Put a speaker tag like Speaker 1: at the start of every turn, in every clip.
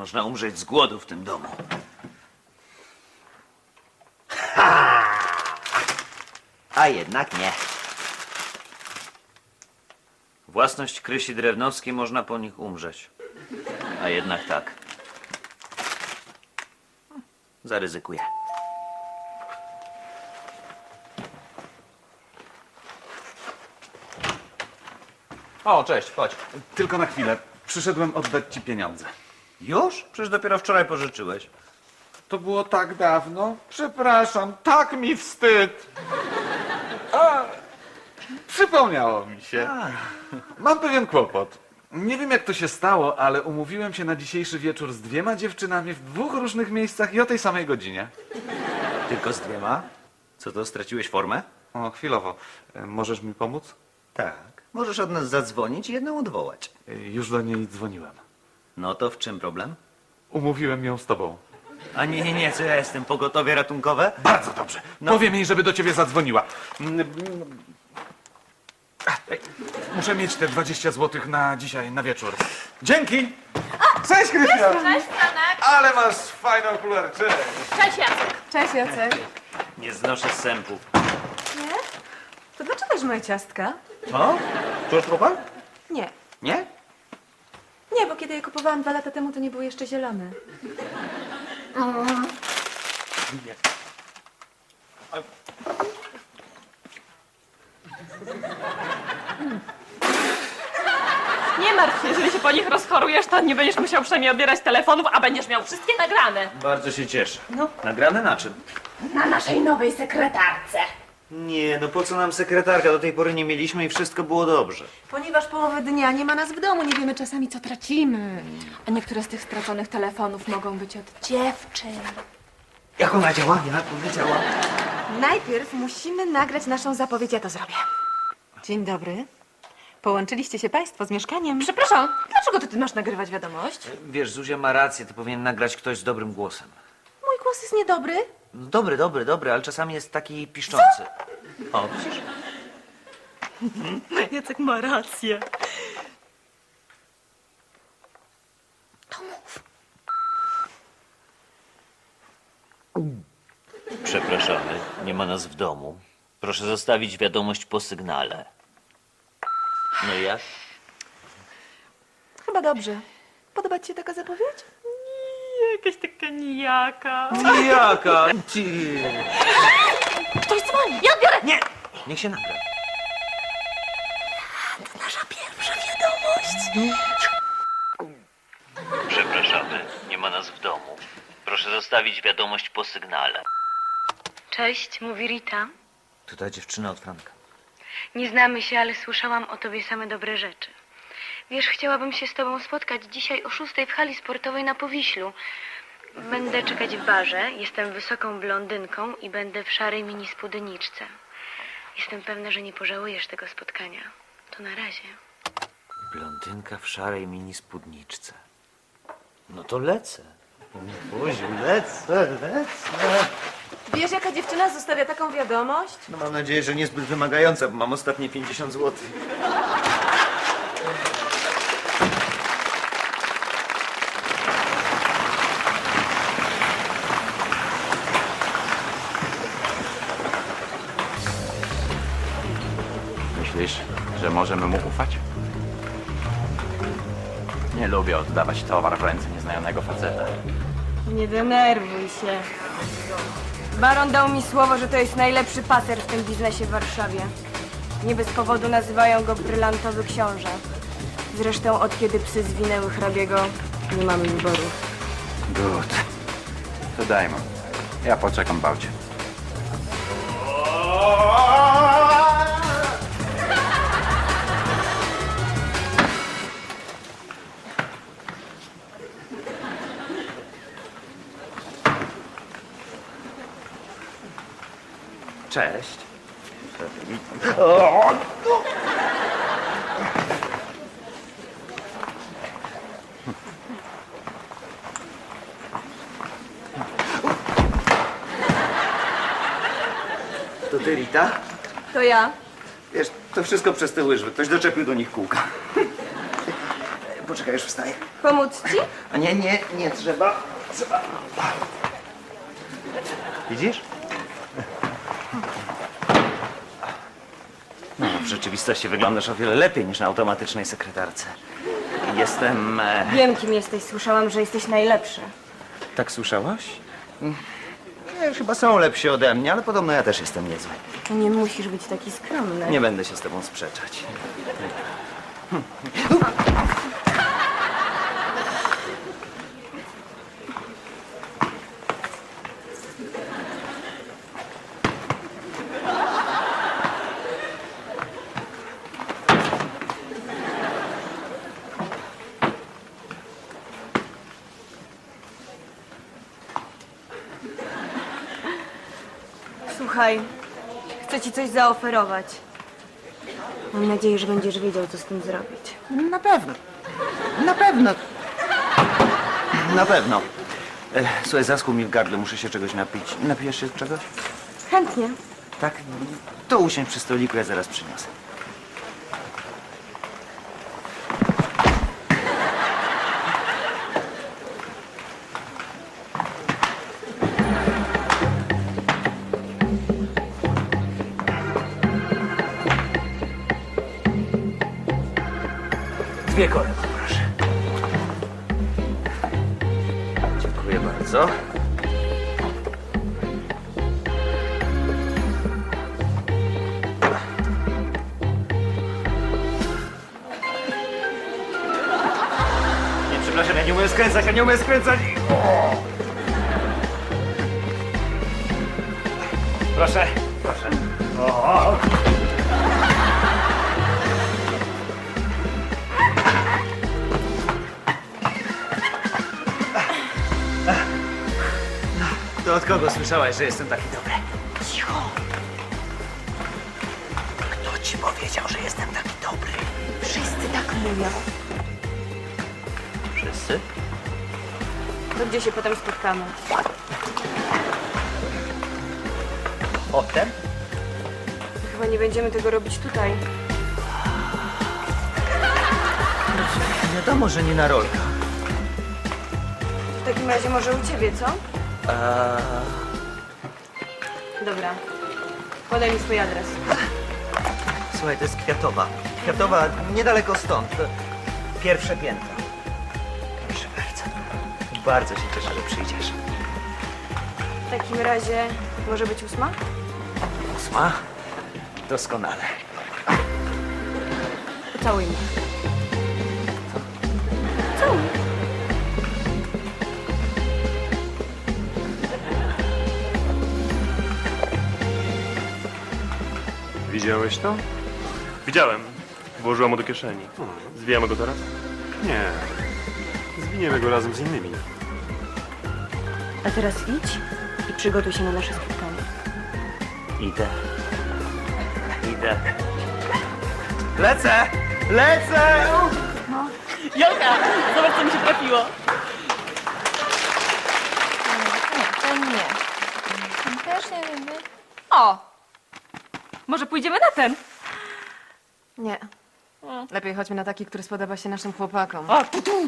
Speaker 1: Można umrzeć z głodu w tym domu. A jednak nie. Własność Krysi Drewnowskiej, można po nich umrzeć. A jednak tak. Zaryzykuję.
Speaker 2: O, cześć, chodź.
Speaker 3: Tylko na chwilę. Przyszedłem oddać ci pieniądze.
Speaker 1: Już? Przecież dopiero wczoraj pożyczyłeś.
Speaker 3: To było tak dawno. Przepraszam, tak mi wstyd. A, przypomniało mi się. Mam pewien kłopot. Nie wiem, jak to się stało, ale umówiłem się na dzisiejszy wieczór z 2 dziewczynami w 2 różnych miejscach i o tej samej godzinie.
Speaker 1: Tylko z 2? Co to, straciłeś formę?
Speaker 3: O, chwilowo. Możesz mi pomóc?
Speaker 1: Tak. Możesz od nas zadzwonić i jedną odwołać.
Speaker 3: Już do niej dzwoniłem.
Speaker 1: No to w czym problem?
Speaker 3: Umówiłem ją z tobą.
Speaker 1: A nie, co ja jestem? Pogotowie ratunkowe?
Speaker 3: Bardzo dobrze. Powiem jej, żeby do ciebie zadzwoniła. Muszę mieć te 20 zł na dzisiaj, na wieczór. Dzięki! Cześć, Krysia!
Speaker 4: Cześć, Franek.
Speaker 3: Ale masz fajne okulary, cześć!
Speaker 4: Cześć, Jacek.
Speaker 5: Cześć, Jacek.
Speaker 1: Nie znoszę sępów.
Speaker 5: Nie? To dlaczego już moje ciastka?
Speaker 1: Co? Czujesz trochę?
Speaker 5: Nie.
Speaker 1: Nie?
Speaker 5: Nie, bo kiedy je kupowałam 2 lata temu, to nie były jeszcze zielone.
Speaker 4: Nie martw się, jeżeli się po nich rozchorujesz, to nie będziesz musiał przynajmniej odbierać telefonów, a będziesz miał wszystkie nagrane.
Speaker 1: Bardzo się cieszę. No. Nagrane na czym?
Speaker 4: Na naszej nowej sekretarce.
Speaker 1: Nie, no po co nam sekretarka? Do tej pory nie mieliśmy i wszystko było dobrze.
Speaker 5: Ponieważ połowę dnia nie ma nas w domu, nie wiemy czasami, co tracimy. A niektóre z tych straconych telefonów mogą być od dziewczyn.
Speaker 1: Jak ona działa? Jak ona działa?
Speaker 5: Najpierw musimy nagrać naszą zapowiedź, ja to zrobię. Dzień dobry. Połączyliście się państwo z mieszkaniem. Przepraszam, dlaczego ty masz nagrywać wiadomość?
Speaker 1: Wiesz, Zuzia ma rację, to powinien nagrać ktoś z dobrym głosem.
Speaker 5: Mój głos jest niedobry.
Speaker 1: No dobry, ale czasami jest taki piszczący. O, widzisz?
Speaker 4: Jacek ma rację.
Speaker 1: Przepraszamy, nie ma nas w domu. Proszę zostawić wiadomość po sygnale. No i jak?
Speaker 5: Chyba dobrze. Podoba ci się taka zapowiedź?
Speaker 4: Jakaś taka nijaka.
Speaker 1: Jaka?
Speaker 4: Ktoś dzwoni, ja odbiorę.
Speaker 1: Nie! Niech się nagra.
Speaker 5: Nasza pierwsza wiadomość.
Speaker 1: Przepraszamy, nie ma nas w domu. Proszę zostawić wiadomość po sygnale.
Speaker 6: Cześć, mówi Rita.
Speaker 1: To ta dziewczyna od Franka.
Speaker 6: Nie znamy się, ale słyszałam o tobie same dobre rzeczy. Wiesz, chciałabym się z tobą spotkać dzisiaj o 6 w hali sportowej na Powiślu. Będę czekać w barze, jestem wysoką blondynką i będę w szarej mini spódniczce. Jestem pewna, że nie pożałujesz tego spotkania. To na razie.
Speaker 1: Blondynka w szarej mini spódniczce. No to lecę. Buziu, lecę.
Speaker 5: Wiesz, jaka dziewczyna zostawia taką wiadomość?
Speaker 1: No mam nadzieję, że niezbyt wymagająca, bo mam ostatnie 50 zł.
Speaker 2: Myślisz, że możemy mu ufać? Nie lubię oddawać towar w ręce nieznajomego faceta.
Speaker 7: Nie denerwuj się. Baron dał mi słowo, że to jest najlepszy paser w tym biznesie w Warszawie. Nie bez powodu nazywają go brylantowy książę. Zresztą od kiedy psy zwinęły hrabiego, nie mamy wyboru.
Speaker 2: Good. To daj mu. Ja poczekam w aucie.
Speaker 1: Cześć. To ty, Rita?
Speaker 5: To ja.
Speaker 1: Wiesz, to wszystko przez te łyżwy. Ktoś doczepił do nich kółka.
Speaker 2: Poczekaj, już wstaję.
Speaker 7: Pomóc ci?
Speaker 2: A nie trzeba. Widzisz? No, w rzeczywistości wyglądasz o wiele lepiej niż na automatycznej sekretarce. Jestem...
Speaker 7: Wiem, kim jesteś. Słyszałam, że jesteś najlepszy.
Speaker 2: Tak słyszałaś? Chyba są lepsi ode mnie, ale podobno ja też jestem niezły.
Speaker 7: Nie musisz być taki skromny.
Speaker 2: Nie będę się z tobą sprzeczać.
Speaker 7: Słuchaj, chcę ci coś zaoferować. Mam nadzieję, że będziesz wiedział, co z tym zrobić.
Speaker 2: Na pewno. Na pewno. Na pewno. Słuchaj, zaschł mi w gardle, muszę się czegoś napić. Napijesz się czegoś?
Speaker 7: Chętnie.
Speaker 2: Tak? To usiądź przy stoliku, ja zaraz przyniosę. Dwie kole, proszę. Dziękuję bardzo. Nie, przepraszam, ja nie umiem skręcać, ja nie umiem skręcać. O! Proszę, proszę. O! To od kogo słyszałaś, że jestem taki dobry? Cicho! Kto ci powiedział, że jestem taki dobry?
Speaker 7: Wszyscy tak mówią.
Speaker 1: Wszyscy?
Speaker 7: To gdzie się potem spotkamy?
Speaker 1: Potem?
Speaker 7: Chyba nie będziemy tego robić tutaj.
Speaker 2: Wiadomo, że nie na rolkę.
Speaker 7: W takim razie może u ciebie, co? Dobra. Podaj mi swój adres.
Speaker 2: Słuchaj, to jest Kwiatowa. Kwiatowa, niedaleko stąd. To pierwsze piętro. Proszę bardzo. Bardzo się cieszę, że przyjdziesz.
Speaker 7: W takim razie może być 8?
Speaker 2: 8? Doskonale.
Speaker 7: Pocałuj mnie. Całuj.
Speaker 8: Widziałeś to? Widziałem. Włożyłam go do kieszeni. Zwijamy go teraz? Nie. Zwiniemy go razem z innymi.
Speaker 7: A teraz idź i przygotuj się na nasze spotkanie.
Speaker 2: Idę. Idę. Lecę! Lecę!
Speaker 4: Jolka, zobacz, co mi się trafiło.
Speaker 5: To nie. Też nie lubię.
Speaker 4: O! Może pójdziemy na ten?
Speaker 5: Nie. Lepiej chodźmy na taki, który spodoba się naszym chłopakom.
Speaker 4: O,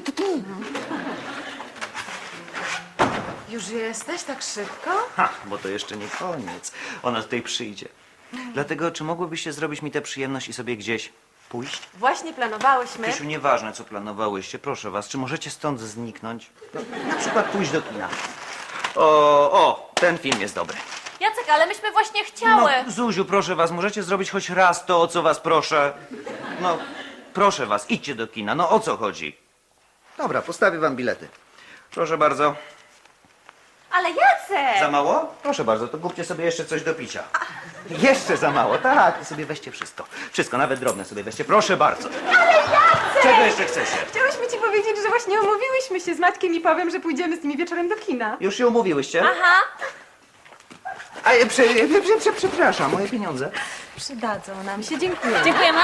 Speaker 5: Już jesteś tak szybko?
Speaker 2: Ha, bo to jeszcze nie koniec. Ona tutaj przyjdzie. Dlatego, czy mogłybyście zrobić mi tę przyjemność i sobie gdzieś pójść?
Speaker 5: Właśnie planowałyśmy.
Speaker 2: Krzysiu, nieważne, co planowałyście, proszę was, czy możecie stąd zniknąć? No, na przykład pójść do kina. O, ten film jest dobry.
Speaker 4: Jacek, ale myśmy właśnie chciały.
Speaker 2: No, Zuziu, proszę was, możecie zrobić choć raz to, o co was proszę? No, proszę was, idźcie do kina, no o co chodzi? Dobra, postawię wam bilety. Proszę bardzo.
Speaker 4: Ale Jacek!
Speaker 2: Za mało? Proszę bardzo, to kupcie sobie jeszcze coś do picia. Jeszcze za mało, tak, to sobie weźcie wszystko. Wszystko, nawet drobne sobie weźcie, proszę bardzo. Ale Jacek! Czego jeszcze chcecie?
Speaker 5: Chciałyśmy ci powiedzieć, że właśnie umówiłyśmy się z Maćkiem i Pawłem, że pójdziemy z nimi wieczorem do kina.
Speaker 2: Już się umówiłyście?
Speaker 4: Aha.
Speaker 2: A, przepraszam, moje pieniądze.
Speaker 5: Przydadzą nam się, dziękuję.
Speaker 4: Dziękujemy.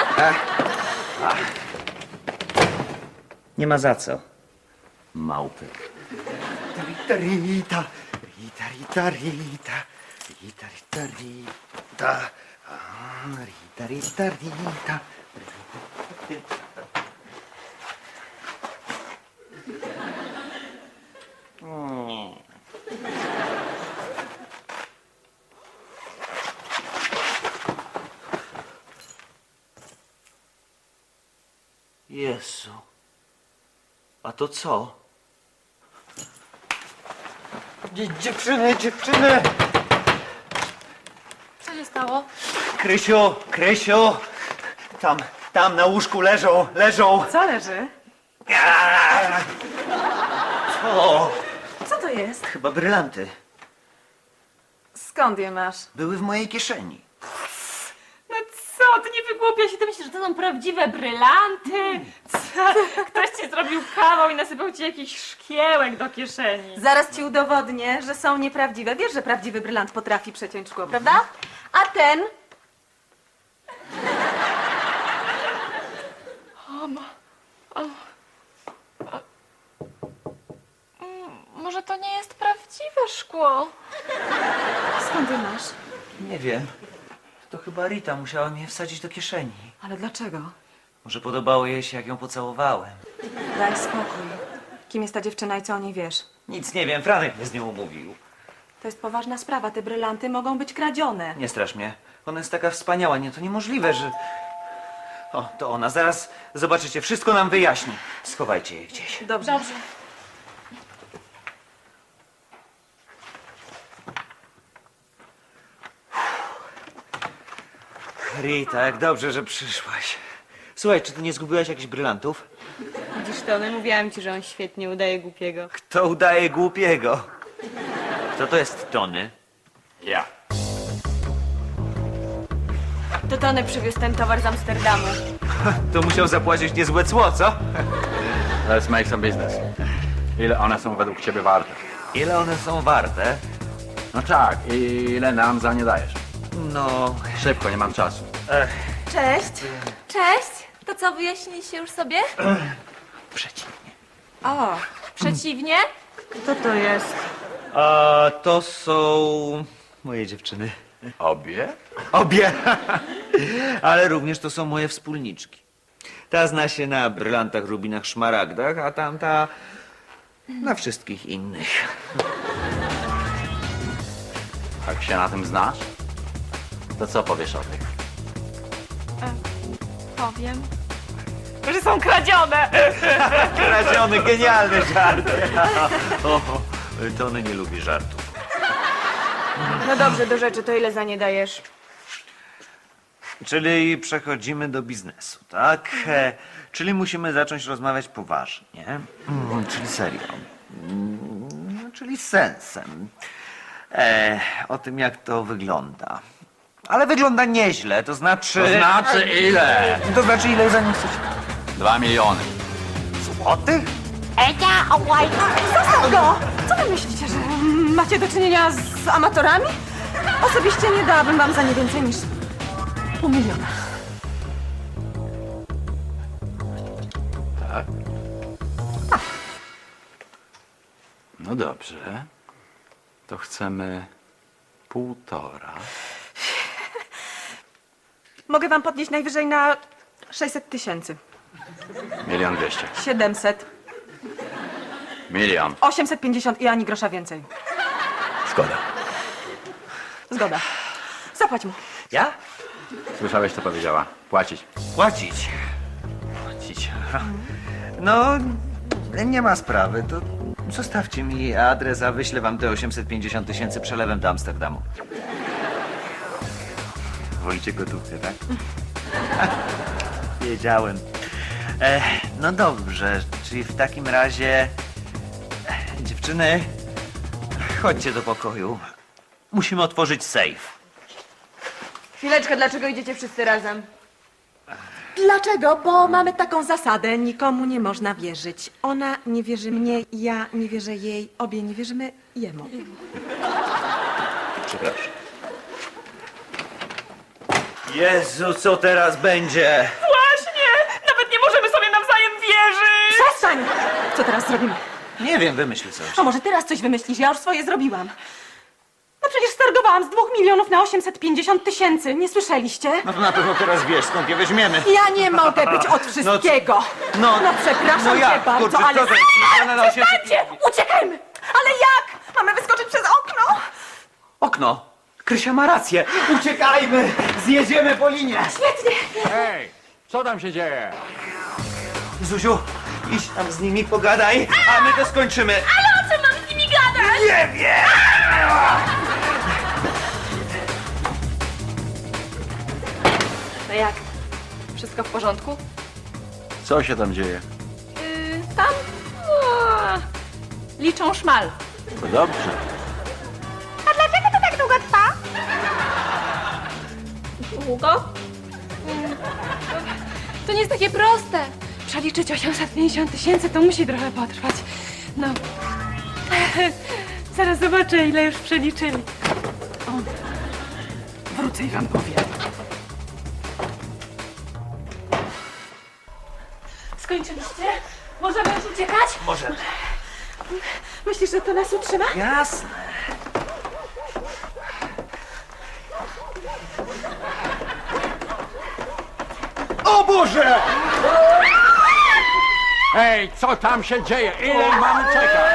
Speaker 2: Nie ma za co. Małpy. Rita, Rita, Rita, Rita, Rita, Rita, Rita, Rita, Rita, Rita, Rita, Rita.
Speaker 1: Jezu. A to co?
Speaker 2: Dziewczyny, dziewczyny!
Speaker 4: Co się stało?
Speaker 2: Krysiu! Tam na łóżku leżą.
Speaker 5: Co leży?
Speaker 2: O,
Speaker 5: Co to jest?
Speaker 2: chyba brylanty.
Speaker 5: Skąd je masz?
Speaker 2: Były w mojej kieszeni.
Speaker 4: No co, ty nie wygłupia się, ty myślisz, że to są prawdziwe brylanty? Co? Ktoś ci zrobił kawał i nasypał ci jakiś szkiełek do kieszeni.
Speaker 5: Zaraz ci udowodnię, że są nieprawdziwe. Wiesz, że prawdziwy brylant potrafi przeciąć szkło, prawda? A ten?
Speaker 4: Może to nie jest prawdziwe szkło?
Speaker 5: Skąd je masz?
Speaker 2: Nie wiem. To chyba Rita musiała mnie wsadzić do kieszeni.
Speaker 5: Ale dlaczego?
Speaker 2: Może podobało jej się, jak ją pocałowałem.
Speaker 5: Daj spokój. Kim jest ta dziewczyna i co o niej wiesz?
Speaker 2: Nic nie wiem, Franek mnie z nią umówił.
Speaker 5: To jest poważna sprawa. Te brylanty mogą być kradzione.
Speaker 2: Nie strasz mnie. Ona jest taka wspaniała, nie, to niemożliwe, że... O, to ona. Zaraz zobaczycie, wszystko nam wyjaśni. Schowajcie je gdzieś.
Speaker 5: Dobrze.
Speaker 4: Dobrze.
Speaker 2: Rita, jak dobrze, że przyszłaś. Słuchaj, czy ty nie zgubiłaś jakichś brylantów?
Speaker 7: Widzisz to, no mówiłam ci, że on świetnie udaje głupiego.
Speaker 2: Kto udaje głupiego?
Speaker 1: Kto to jest Tony?
Speaker 8: Ja.
Speaker 7: To Tony przywiózł ten towar z Amsterdamu.
Speaker 2: To musiał zapłacić niezłe cło, co?
Speaker 3: Let's make some business. Ile one są według ciebie warte?
Speaker 2: Ile one są warte?
Speaker 3: No tak, ile nam za nie dajesz?
Speaker 2: No,
Speaker 3: Szybko, nie mam czasu.
Speaker 5: Cześć.
Speaker 4: Cześć! To co, wyjaśniliście już sobie?
Speaker 2: przeciwnie.
Speaker 5: O,
Speaker 4: Przeciwnie?
Speaker 7: Kto to jest?
Speaker 2: A to są moje dziewczyny.
Speaker 3: Obie?
Speaker 2: Obie! Ale również to są moje wspólniczki. Ta zna się na brylantach, rubinach, szmaragdach, a tamta na wszystkich innych.
Speaker 3: Jak się na tym znasz? To co powiesz o tych?
Speaker 4: Powiem. Że są kradzione!
Speaker 2: Kradziony, genialny żart. O, Tony nie lubi żartów.
Speaker 7: No dobrze, do rzeczy, to ile za nie dajesz?
Speaker 2: Czyli przechodzimy do biznesu, tak? Czyli musimy zacząć rozmawiać poważnie. Czyli serio. Czyli z sensem. O tym, jak to wygląda. Ale wygląda nieźle, to znaczy...
Speaker 3: To znaczy ile?
Speaker 2: To znaczy, ile za nie chcecie?
Speaker 3: 2 miliony.
Speaker 2: Złotych?
Speaker 5: zostaw go! Co wy myślicie, że macie do czynienia z amatorami? Osobiście nie dałabym wam za nie więcej niż $500 000.
Speaker 3: Tak? No dobrze. To chcemy 1,5.
Speaker 5: Mogę wam podnieść najwyżej na 600 000.
Speaker 3: 1 200 000.
Speaker 5: 700,
Speaker 3: 1 000 000.
Speaker 5: 850 i ani grosza więcej.
Speaker 3: Szkoda.
Speaker 5: Zgoda. Zapłać mu.
Speaker 2: Ja?
Speaker 3: Słyszałeś, co powiedziała? Płacić.
Speaker 2: Płacić. Płacić. No, nie ma sprawy. To zostawcie mi adres, a wyślę wam te 850 000 przelewem do Amsterdamu. Wolicie gotówkę, tak? Wiedziałem. No dobrze, czyli w takim razie... Dziewczyny, chodźcie do pokoju. Musimy otworzyć sejf.
Speaker 7: Chwileczkę, dlaczego idziecie wszyscy razem?
Speaker 5: Dlaczego? Bo mamy taką zasadę. Nikomu nie można wierzyć. Ona nie wierzy mnie, ja nie wierzę jej. Obie nie wierzymy jemu.
Speaker 2: Przepraszam. Jezu, co teraz będzie?
Speaker 4: Właśnie! Nawet nie możemy sobie nawzajem wierzyć!
Speaker 5: Przestań! Co teraz zrobimy?
Speaker 2: Nie wiem, wymyśl coś.
Speaker 5: A może teraz coś wymyślisz? Ja już swoje zrobiłam. No przecież stargowałam z 2 milionów na 850 000. Nie słyszeliście?
Speaker 2: No to na pewno teraz wiesz, skąd je weźmiemy.
Speaker 5: Ja nie mogę być od wszystkiego.
Speaker 2: No
Speaker 5: Przepraszam cię
Speaker 2: jak?
Speaker 5: bardzo,
Speaker 2: Kurczę,
Speaker 5: ale...
Speaker 2: co to jest? Miliona na 800
Speaker 5: Przestańcie! Uciekajmy! Ale jak? Mamy wyskoczyć przez okno?
Speaker 2: Okno. Krysia ma rację. Uciekajmy! Zjedziemy po linie.
Speaker 5: Świetnie!
Speaker 3: Hej, co tam się dzieje?
Speaker 2: Zuziu, idź tam z nimi, pogadaj, a my to skończymy.
Speaker 4: Ale o co mam z nimi gadać?
Speaker 2: Nie wiem!
Speaker 5: No jak? Wszystko w porządku?
Speaker 3: Co się tam dzieje?
Speaker 5: Tam liczą szmal.
Speaker 3: To dobrze.
Speaker 5: A dlaczego to tak długo trwa?
Speaker 4: Długo? To nie jest takie proste. Przeliczyć 850 000 to musi trochę potrwać. No. Zaraz zobaczę, ile już przeliczyli. O. Wrócę i wam powiem. Skończyliście? Możemy już uciekać?
Speaker 2: Możemy.
Speaker 5: Myślisz, że to nas utrzyma?
Speaker 2: Jasne. O Boże!
Speaker 9: Ej, co tam się dzieje? Ile mamy czekać?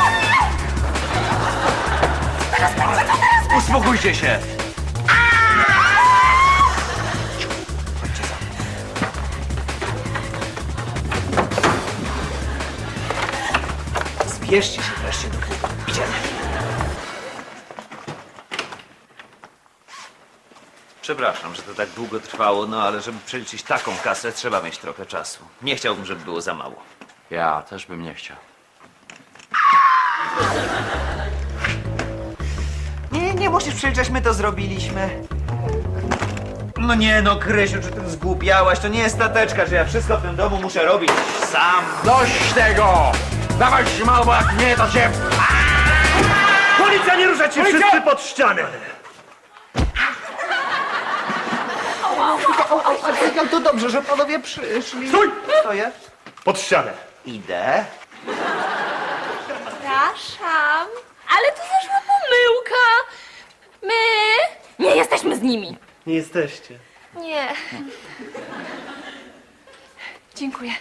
Speaker 2: Uspokójcie się. Zbierzcie się wreszcie do klubu. Idziemy. Przepraszam, że to tak długo trwało, no ale żeby przeliczyć taką kasę, trzeba mieć trochę czasu. Nie chciałbym, żeby było za mało.
Speaker 9: Ja też bym nie chciał.
Speaker 2: Nie musisz przeliczać, my to zrobiliśmy. No nie no, Krysiu, czy ty zgłupiałaś? To nie jest stateczka, że ja wszystko w tym domu muszę robić sam.
Speaker 9: Dość tego! Dawaj śmal, bo jak nie, to cię...
Speaker 8: Policja, nie ruszać się wszyscy pod ścianę!
Speaker 2: To dobrze, że panowie przyszli.
Speaker 8: Stój!
Speaker 2: Stoję.
Speaker 8: Pod ścianę.
Speaker 2: Idę.
Speaker 4: Przepraszam, ale to zaszła pomyłka. My nie jesteśmy z nimi.
Speaker 8: Nie jesteście.
Speaker 4: Nie. Dziękuję.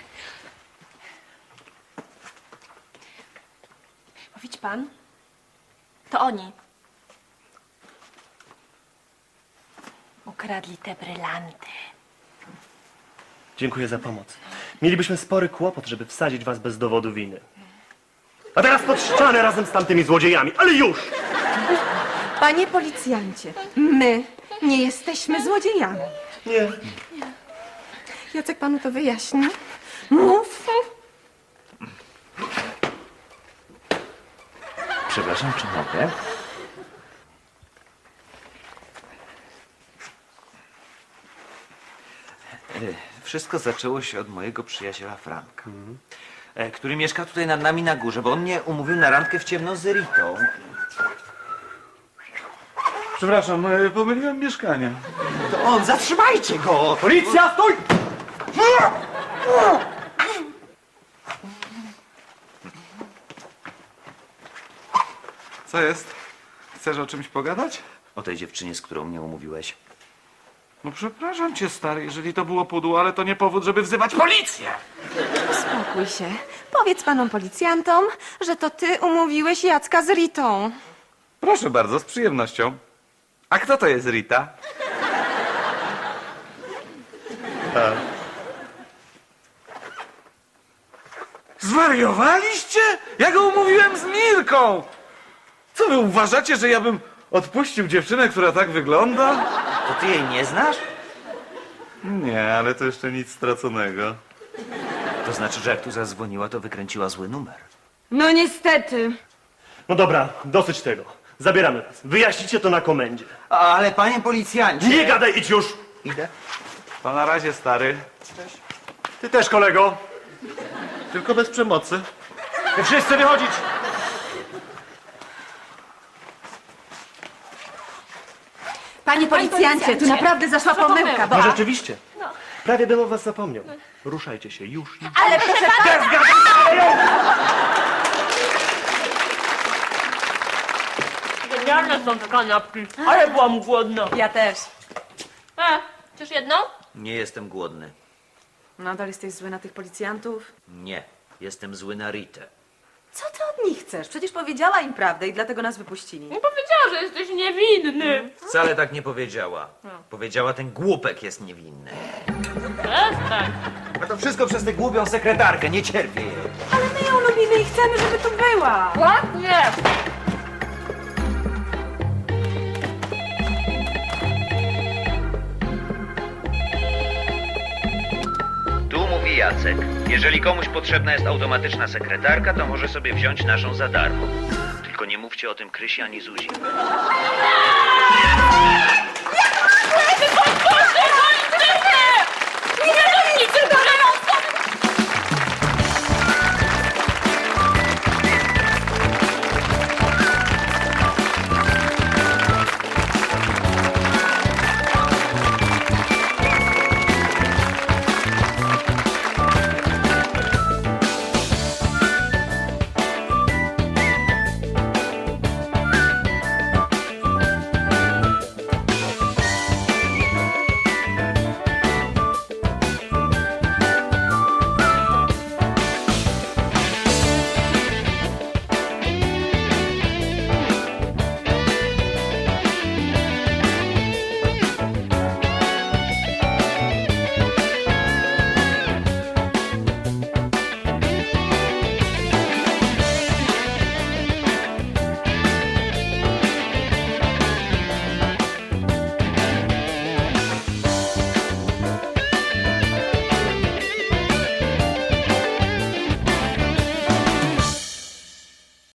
Speaker 4: Bo widzi pan? To oni. Ukradli te brylanty.
Speaker 8: Dziękuję za pomoc. Mielibyśmy spory kłopot, żeby wsadzić was bez dowodu winy. A teraz pod ścianę razem z tamtymi złodziejami, ale już!
Speaker 5: Panie policjancie, my nie jesteśmy złodziejami.
Speaker 8: Nie.
Speaker 5: Jacek panu to wyjaśni? Mów.
Speaker 2: Przepraszam, czy mogę? Wszystko zaczęło się od mojego przyjaciela Franka, który mieszka tutaj nad nami na górze, bo on mnie umówił na randkę w ciemno z Ritą.
Speaker 3: Przepraszam, pomyliłem mieszkania.
Speaker 2: To on, zatrzymajcie go!
Speaker 8: Policja, stój!
Speaker 3: Co jest? Chcesz o czymś pogadać?
Speaker 2: O tej dziewczynie, z którą mnie umówiłeś.
Speaker 3: No przepraszam cię, stary, jeżeli to było pudło, ale to nie powód, żeby wzywać policję!
Speaker 5: Uspokój się. Powiedz panom policjantom, że to ty umówiłeś Jacka z Ritą.
Speaker 3: Proszę bardzo, z przyjemnością. A kto to jest Rita? Zwariowaliście? Ja go umówiłem z Mirką! Co wy uważacie, że ja bym odpuścił dziewczynę, która tak wygląda?
Speaker 2: To ty jej nie znasz?
Speaker 3: Nie, ale to jeszcze nic straconego.
Speaker 2: To znaczy, że jak tu zadzwoniła, to wykręciła zły numer.
Speaker 7: No niestety.
Speaker 8: No dobra, dosyć tego. Zabieramy was. Wyjaśnicie to na komendzie.
Speaker 2: Ale panie policjancie...
Speaker 8: Nie gadaj, idź już!
Speaker 2: Idę.
Speaker 3: To na razie, stary.
Speaker 8: Ty też, kolego.
Speaker 3: Tylko bez przemocy.
Speaker 8: Wy wszyscy wychodzić!
Speaker 5: Panie policjancie, tu naprawdę zaszła pomyłka, bo...
Speaker 8: No rzeczywiście. Prawie bym o was zapomniał. Ruszajcie się, już.
Speaker 4: Ale proszę pana! Genialne są te kanapki, ale byłam głodna.
Speaker 5: Ja też.
Speaker 4: Chcesz jedną?
Speaker 2: Nie jestem głodny.
Speaker 5: Nadal jesteś zły na tych policjantów?
Speaker 2: Nie. Jestem zły na Ritę.
Speaker 5: Co ty od nich chcesz? Przecież powiedziała im prawdę i dlatego nas wypuścili.
Speaker 4: Nie powiedziała, że jesteś niewinny.
Speaker 2: Wcale tak nie powiedziała. Powiedziała, ten głupek jest niewinny.
Speaker 4: Przestań.
Speaker 2: A to wszystko przez tę głupią sekretarkę, nie cierpię jej.
Speaker 7: Ale my ją lubimy i chcemy, żeby tu była.
Speaker 4: Ładnie!
Speaker 2: Tu mówi Jacek. Jeżeli komuś potrzebna jest automatyczna sekretarka, to może sobie wziąć naszą za darmo. Tylko nie mówcie o tym Krysi ani Zuzi.